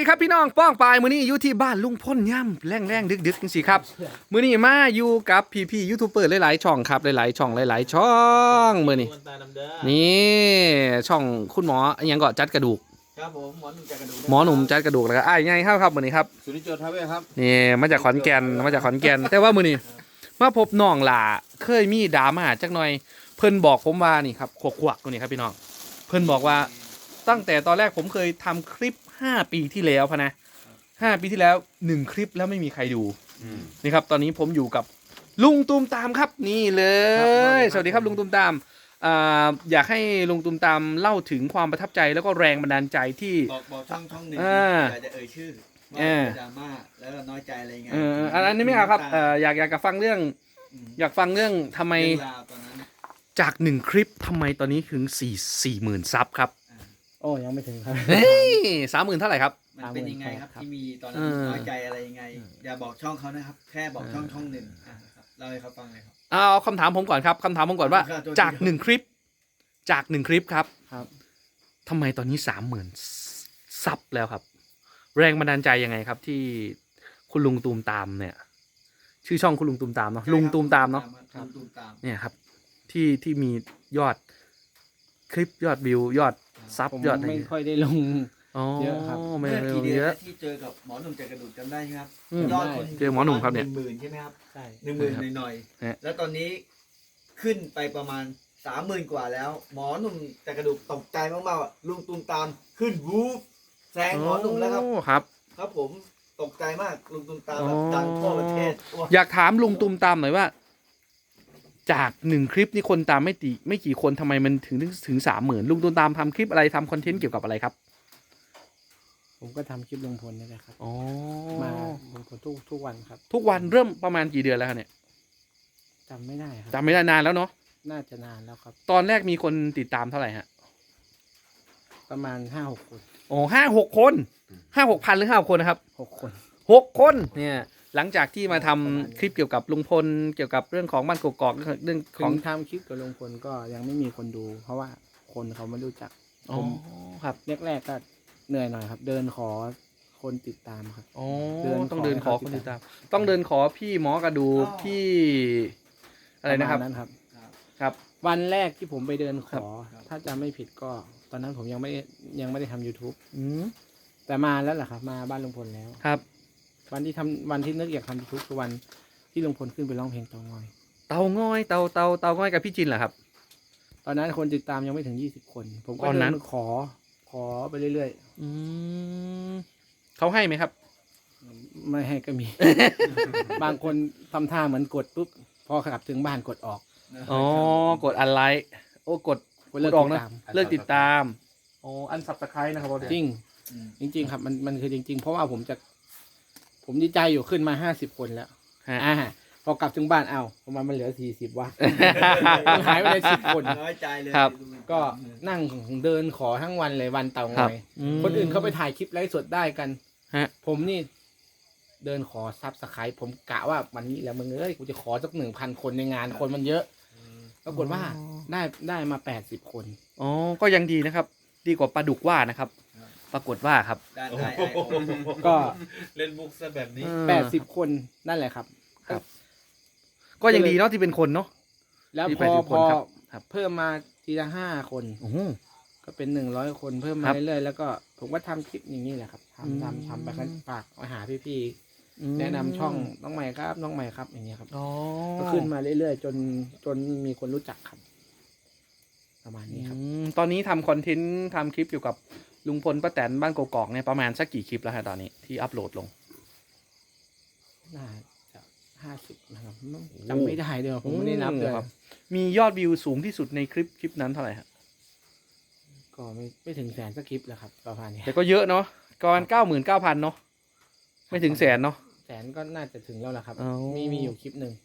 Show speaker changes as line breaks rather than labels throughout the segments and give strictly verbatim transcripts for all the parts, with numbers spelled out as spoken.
ดีครับพี่น้องป้องปายมื้อนี้อยู่ที่บ้านลุงพ่นย่ำแรงแรงดึกดึกจังสิครับมื้อนี้มาอยู่กับพี่พี่ยูทูบเบอร์หลายๆช่องครับหลายๆช่องหลายๆช่องมื้อนี้นี่ช่องคุณหมอยังก็จัดกระดูก
ครับผมหมอหนุ่มจัดกระดูก
หมอหนุ่มจัดกระดูกแล้วก็อ้ายไงครับครับมื้อนี้ครับ
สุนิจโจทาเวครับ
นี่มาจากขอนแก่นมาจากขอนแก่นแต่ว่ามื้อนี้มาพบน้องหล่าเคยมีดราม่าจักหน่อยเพิ่นบอกผมว่านี่ครับขวกๆตัวนี้ครับพี่น้องเพิ่นบอกว่าตั้งแต่ตอนแรกผมเคยทำคลิปห้าปีที่แล้วพะนะห้าปีที่แล้วหนึ่งคลิปแล้วไม่มีใครดูนี่ครับตอนนี้ผมอยู่กับลุงตูมตามครับนี่เลยสวัสดีครับลุงตูมตามอ่าอยากให้ลุงตูมตามเล่าถึงความประทับใจแล้วก็แรงบันดาลใจที่
บอกบอกช่องช่องหนึ่งอยากจะเอ่ยชื่อว่าดราม่าแล้วน้อยใจอะไรเงี้ย
อันนี้ไม่เอาครับอยากอยากจะฟังเรื่องอยากฟังเรื่องทำไมจากหนึ่งคลิปทำไมตอนนี้ถึงสี่สี่หมื่นซับครับ
โอ้ยังไม่ถึงครับ
เฮ้ยสามหมื่นเท่าไหร่ครับ
มันเป็นยังไงครับที่มีตอนนั้นน้อยใจอะไรยังไงอย่าบอกช่องเขานะครับแค่บอกช่องช่องหนึ่งเล่าให้เขาฟังเลยครับ
เอาคำถามผมก่อนครับคำถามผมก่อนว่าจากหนึ่งคลิปจากหนึ่งคลิปครับ
ครับ
ทำไมตอนนี้สามหมื่นซับแล้วครับแรงบันดาลใจยังไงครับที่คุณลุงตูมตามเนี่ยชื่อช่องคุณลุงตูมตามเนาะลุงตูมตามเนาะเนี่ยครับที่ที่มียอดคลิปยอดวิวยอดซับยอด
ไม่ค่อยได้ลงเยอะครับ
ไม่
ได้ลง
เยอะ
ที่เจอกับหมอหนุ่มจัดกระดูกจำได้ไหมครับยอดคน
เจอหมอหนุ่มครับเนี่ย
หนึ่งหมื่นใช่ไหมครับ
ใช่
หนึ่งหมื่นหน่อยๆแล้วตอนนี้ขึ้นไปประมาณสามหมื่นกว่าแล้วหมอหนุ่มจัดกระดูกตกใจมากๆลุงตูมตามขึ้นวูฟแซงหมอหนุ่มแล้วครับ
ครับ
ครับผมตกใจมากลุงตูมตามแบบดังทั่วประเทศ
อยากถามลุงตูมตามหน่อยว่าจากหนึ่งคลิปนี่คนตามไม่ตีไม่กี่คนทำไมมันถึงถึงสามหมื่นลุงตูมตามทำคลิปอะไรทำคอนเทนต์เกี่ยวกับอะไรครับ
ผมก็ทำคลิปลงพลนี่แหละครับ
อ๋อ
มาลงพลทุกทุกวันครับ
ทุกวันเริ่มประมาณกี่เดือนแล้วเนี่ย
จำไม่ได้ครับ
จำไม่ได้นานแล้วเนาะ
น่าจะนานแล้วครับ
ตอนแรกมีคนติดตามเท่าไหร่ฮะ
ประมาณห้าหกคน
โอ้ห้าหกคนห้าหกพันหรือห้าคนนะครับ
หกคน
หกคนเนี่ยหลังจากที่มาทำคลิปเกี่ยวกับลุงพลเกี่ยวกับเรื่องของบ้านกกอกเรื่องของ
ทำคลิปกับลุงพลก็ยังไม่มีคนดูเพราะว่าคนเขาไม่รู้จัก
ผมครับ
แรกๆก็เหนื่อยหน่อยครับเดินขอคนติดตามครับ
อ๋อต้องเดินขอคนติดตามต้องเดินขอพี่หมอกระดูพี่อะไรนะครับ
นั้นครับ
ครับ
วันแรกที่ผมไปเดินขอถ้าจำไม่ผิดก็ตอนนั้นผมยังไม่ยังไม่ได้ทำ YouTube
อืม
แต่มาแล้วแหละครับมาบ้านลุงพลแล้ว
ครับ
วันที่ทำวันที่นึกอยากทำ YouTube คือวันที่ลุงพลขึ้นไปร้องเพลงเตางอย
เตางอยเตาเตาเตางอยกับพี่จินเหรอครับ
ตอนนั้นคนติดตามยังไม่ถึงยี่สิบคนผมก็เดินขอขอไปเรื่อย
ๆอืมเขาให้ไหมครับ
ไม่ให้ก็มี บางคนทำท่าเหมือนกดปุ๊บพอขับถึงบ้านกดออก
อ๋อกดอันไลค์โอ้กดกดออกนะเลิกติดตามอ๋ออันสับตะไคร้นะครับ
จริงจริงๆครับมันมันคือจริงๆเพราะว่าผมจะผมดีใจอยู่ขึ้นมาห้าสิบคนแล้วอ่าพอกลับถึงบ้านเอาประมาณมันเหลือสี่สิบวะหายไปเลยสิบคน
น้อยใจเลย
ก็นั่งเดินขอทั้งวันเลยวันเต่างอยคนอื่นเขาไปถ่ายคลิปไลฟ์สดได้กันผมนี่เดินขอซับสไครป์ผมกะว่าวันนี้แล้วมึงเอ้ยกูจะขอสักหนึ่งพันคนในงานคนมันเยอะปรากฏว่าได้ได้มาแปดสิบคน
อ๋อก็ยังดีนะครับดีกว่าปลาดุกว่านะครับปรากฏว่าครับ
ก็
เล่นมุกซะแบบนี้
แปดสิบคนนั่นแหละครับ
ครับก็ยังดีเนาะที่เป็นคนเนาะ
แล้วพอพอเพิ่มมาทีละห้าคนก็เป็นหนึ่งร้อยคนเพิ่มมาเรื่อยๆแล้วก็ผมก็ทำคลิปอย่างนี้แหละครับทำทำทำไปฝากมาหาพี่ๆแนะนำช่องน้องใหม่ครับน้องใหม่ครับอย่างเงี้ยครับก็ขึ้นมาเรื่อยๆจนจนมีคนรู้จักครับประมาณนี้ครับ
ตอนนี้ทำคอนเทนต์ทำคลิปเกี่ยวกับลุงพลป้าแตนบ้านกกอกเนี่ยประมาณสักกี่คลิปแล้วฮะตอนนี้ที่อัปโหลดลง
น่าจะห้าสิบนะครับจำไม่ได้เดี๋ยวผมไม่ได้นับเลยครับ
มียอดวิวสูงที่สุดในคลิปคลิปนั้นเท่าไหร่ฮะ
ก็ไม่ไม่ถึงแสนสักคลิปแล้วครับประมาณนี้
แต่ก็เยอะเนาะก่อนเก้าหมื่นเก้าพันเนาะไม่ถึงแสนเนาะ
แสนก็น่าจะถึงแล้วแหละครับมีมีอยู่คลิปหนึ่ง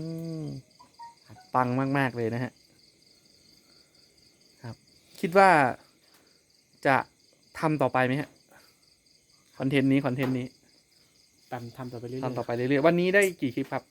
ปังมากๆเลยนะฮะครับคิดว่าจะทำต่อไปไหมฮะคอนเทนต์นี้คอนเทนต์นี้
ทำทำต่อไปเรื่อย
ๆทำต่อไปเรื่อยๆวันนี้ได้กี่คลิปครับ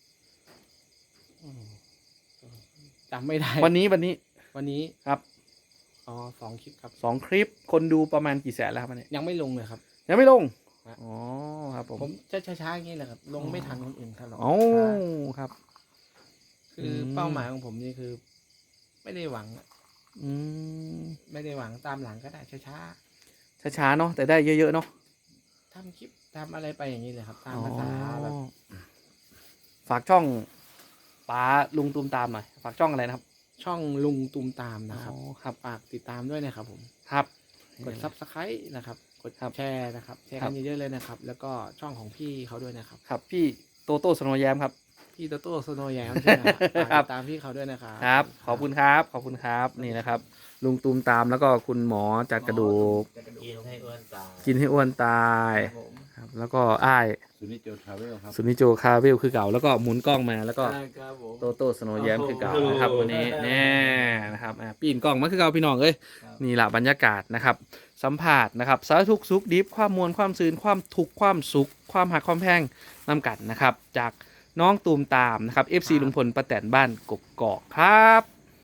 จำไม่ได้
วันนี้วันนี้
วันนี้
ครับ
อ๋อสองคลิปครับ
สองคลิปคนดูประมาณกี่แสนแล้วครับเนี่ย
ยังไม่ลงเลยครับ
ยังไม่ลง
ฮะ
อ๋อครับผม
ผมจะช้าๆอย่างนี้แหละครับลงไม่ทันคนอื่นครับหรอก
โอ้
ช้า
ครับ
คือเป้าหมายของผมนี่คือ ไม่ได้หวัง
อืม
ไม่ได้หวังตามหลังก็ได้ช้า
ช้าๆเนาะแต่ได้เยอะๆเนาะ
ๆทำคลิปทำอะไรไปอย่างนี้เลยครับ ตามภาษาแบบ
อ๋อฝากช่องป๋าลุงตูมตามหน่อยฝากช่องอะไรนะครับ
ช่องลุงตูมตามนะครับ
อ๋อครับ
ฝากติดตามด้วยนะครับผม
ครับ
กดซับสไครต์นะครับ กด
ครับ
แชร์นะครับ แชร์
ครั
กับ นเยอะๆเลยนะครับ แล้วก็ช่องของพี่เขาด้วยนะครับ
ครับพี่โตโต้สโนว์แยมครับ
พี่โตโต้โซโนแยมใช่ไหมครับฝาก
ครั
ติ
บ
ดตามพี่เขาด้วยนะครับ
ครับ ขอบคุณครับ ขอบคุณครับ นี่นะครับ ลุงตูมตามแล้วก็คุณหมอจากกระดูก
จากกระดูก
กินให้อ้วนตาย
กินให้อ้วนตาย
ครับผม
ครับ แล้วก็อ้าย
สุนิจโจทราเวลครับ
สุนิโจคาเวลคือเก่า แล้วก็หมุนกล้องมาแล้วก็
ใช่ครับผม
โตโต้สโนว์แยมคือเก่า
โอ้โห
นะครับวันนี้แน่นะครับอ่ะปีนกล้องมาคือเก่าพี่น้องเอ้ย
ครับ
นี่แหละบรรยากาศนะครับ สัมผัสนะครับสารทุกข์สุขดิบความมวลความซืนความทุกข์ความสุข ความหักความแพงนำกันนะครับ จากน้องตูมตามนะครับ เอฟ ซี ลุงพลป้าแตนบ้านกกอกครับ